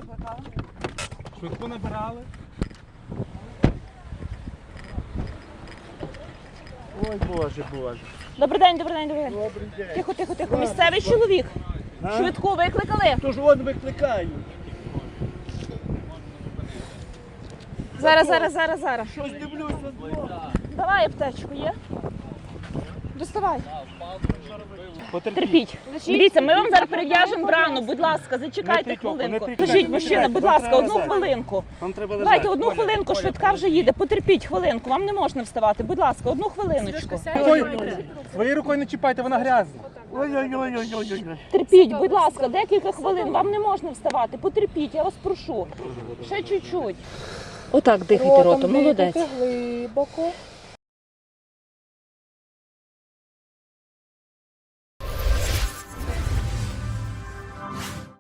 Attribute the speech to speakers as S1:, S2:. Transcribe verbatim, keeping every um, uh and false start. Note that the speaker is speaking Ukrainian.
S1: викликали?
S2: Швидку набирали.
S3: Ой, Боже, Боже.
S1: Добрий день, добрий день, добрий день.
S3: Добрий день.
S1: Тихо, тихо, тихо. Місцевий чоловік.
S3: А?
S1: Швидку викликали?
S3: Тож вон викликають.
S1: Зараз, зараз, зараз, зараз.
S3: Щось дивлюся.
S1: Давай аптечку, є? Доставай.
S2: Потерпіть.
S1: Терпіть. Дивіться, ми вам зараз перев'яжемо рану, будь ласка, зачекайте
S2: Не тикайте,
S1: хвилинку.
S2: не тикайте.
S1: Кажіть, мужчина, будь
S2: Вам
S1: ласка,
S2: треба
S1: одну
S2: лежати.
S1: хвилинку.
S2: Вам треба лежати.
S1: Давайте одну
S2: Оля,
S1: хвилинку,
S2: Оля,
S1: швидка вже їде. Потерпіть хвилинку, вам не можна вставати. Будь ласка, одну хвилиночку.
S2: Ой, своєю рукою не чіпайте, вона грязна.
S3: Ой-ой-ой-ой-ой.
S1: Терпіть, будь ласка, декілька хвилин, вам не можна вставати. Потерпіть, я вас прошу. Ще чуть-чуть. Отак дихайте ротом, молодець.
S4: Глибоко.